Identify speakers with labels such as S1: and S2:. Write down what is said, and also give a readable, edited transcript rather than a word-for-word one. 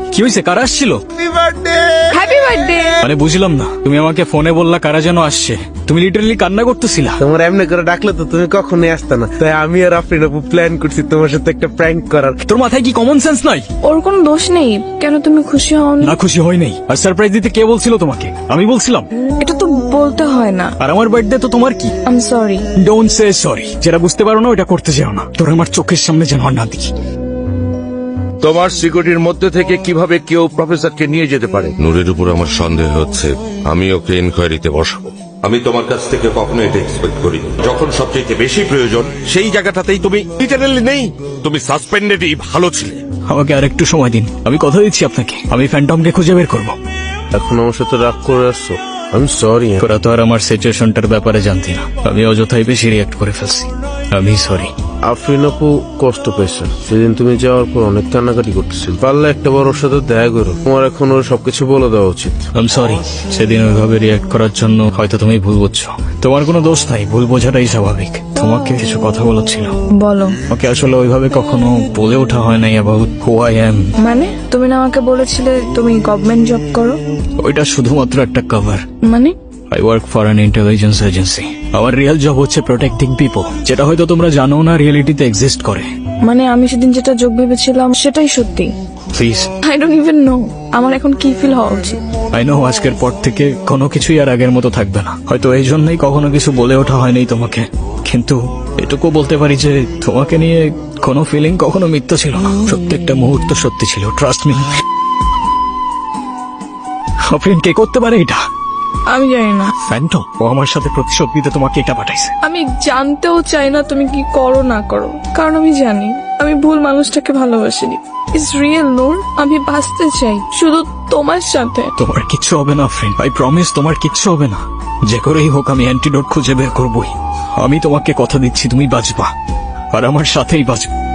S1: কি হয়েছে? কারা আসছিল?
S2: Happy birthday.
S1: মানে বুঝলাম না, তুমি আমাকে ফোনে বললা কারা যেন আসছে, তুমি লিটারালি কান্না করতেছিলা।
S3: তোমার এমনি করে ডাকলে তো তুমি কখনোই আসতে না, তাই আমি আর আফরিন আপু প্ল্যান করছি তোমার সাথে একটা প্র্যাঙ্ক করার।
S1: তোর মাথায় কি কমন সেন্স নাই?
S2: ওর কোনো দোষ নেই, কেন তুমি খুশি হওনি?
S1: না খুশি হয় নাই। আর সারপ্রাইজ দিতে কে বলছিল তোমাকে? আমি বলছিলাম।
S2: এটা তো বলতে হয় না।
S1: আর আমার বার্থডে তো তোমার কি?
S2: I am sorry.
S1: Don't say sorry. যেটা বুঝতে পারো না ওটা করতে যাও না। তোর আমার চোখের সামনে যেন আর না দেখি।
S4: তোমার সিকিউরিটির মধ্যে থেকে কিভাবে কেউ প্রফেসরকে নিয়ে যেতে পারে?
S5: নূরের উপর আমার সন্দেহ হচ্ছে, আমি ওকে ইনকোয়ারিতে বসাবো। আমি তোমার কাছ থেকে কখনো এটা এক্সপেক্ট করিনি। যখন সবচেয়ে বেশি প্রয়োজন সেই জায়গাটাতেই তুমি লিটারালি নেই। তুমি সাসপেন্ডেডই ভালো ছিলে।
S1: আমাকে আর একটু সময় দিন, আমি কথা দিচ্ছি আপনাকে, আমি ফ্যান্টমকে খুঁজে বের করবো।
S3: এখন আমার সাথে রাগ করে আসছো? আমি সরি।
S1: তোরা তো আর আমার সিচুয়েশনটার ব্যাপারে জানতি না, আমি অযথাই বেশি রিয়াক্ট করে ফেলছি। আমি সরি।
S3: আফরিন আপু কষ্ট পেয়েছে, সেদিন তুমি যাওয়ার পর অনেক কান্নাকাটি করতেছিল। পারলে একটা বার ওর সাথে দেখা করো, তোমার এখন ওর সবকিছু বলে দেওয়া উচিত।
S1: I am sorry. সেদিন ওইভাবে রিয়াক্ট করার জন্য হয়তো তুমি ভুল বুঝছো। তোমার কোনো দোষ নাই, ভুল বোঝাটাই স্বাভাবিক। তোমাকে কিছু কথা বলার ছিল।
S2: বলো।
S1: ওকে আসলে ওইভাবে কখনো বলে ওঠা হয় নাই অ্যাবাউট হু আই অ্যাম।
S2: মানে তুমি না আমাকে বলেছিলে তুমি গভর্নমেন্ট জব করো?
S1: ওইটা শুধুমাত্র একটা কভার।
S2: মানে
S1: I work for an intelligence agency. আমার রিয়েল জব হচ্ছে প্রোটেক্টিং পিপল, যেটা হয়তো তোমরা জানো না রিয়েলিটিতে এক্সিস্ট করে।
S2: মানে আমি সেদিন যেটা যোগ ভেবেছিলাম সেটাই সত্যি।
S1: Please.
S2: I don't even know আমার এখন কি ফিল হওয়া উচিত।
S1: আই নো আজকের পর থেকে কোনো কিছুই আর আগের মতো থাকবে না। হয়তো এই জন্যই কখনো কিছু বলে ওঠা হয়নি তোমাকে, কিন্তু এটুকু বলতে পারি যে তোমাকে নিয়ে কোনো ফিলিং কখনো মিথ্যা ছিল না। প্রত্যেকটা মুহূর্ত সত্যি ছিল, ট্রাস্ট মি। আফরিন কে করতে পারে এটা?
S2: আমি জানি না।
S1: ফ্যান্টম। ও আমার সাথে প্রতিশোধ নিতে তোমাকে এটা পাঠাইছে।
S2: আমি জানতেও চাই না তুমি কি করো না করো, কারণ আমি জানি আমি ভুল মানুষটাকে ভালোবাসিনি। ইটস রিয়েল নূর, আমি বাঁচতে চাই শুধু তোমার সাথে।
S1: তোমার কিচ্ছু হবে না ফ্রেন্ড, আই প্রমিস তোমার কিচ্ছু হবে না। যে করেই হোক আমি অ্যান্টিডোট খুঁজে বের করবই। আমি তোমাকে কথা দিচ্ছি তুমি বাঁচবা, আর আমার সাথেই বাঁচবা।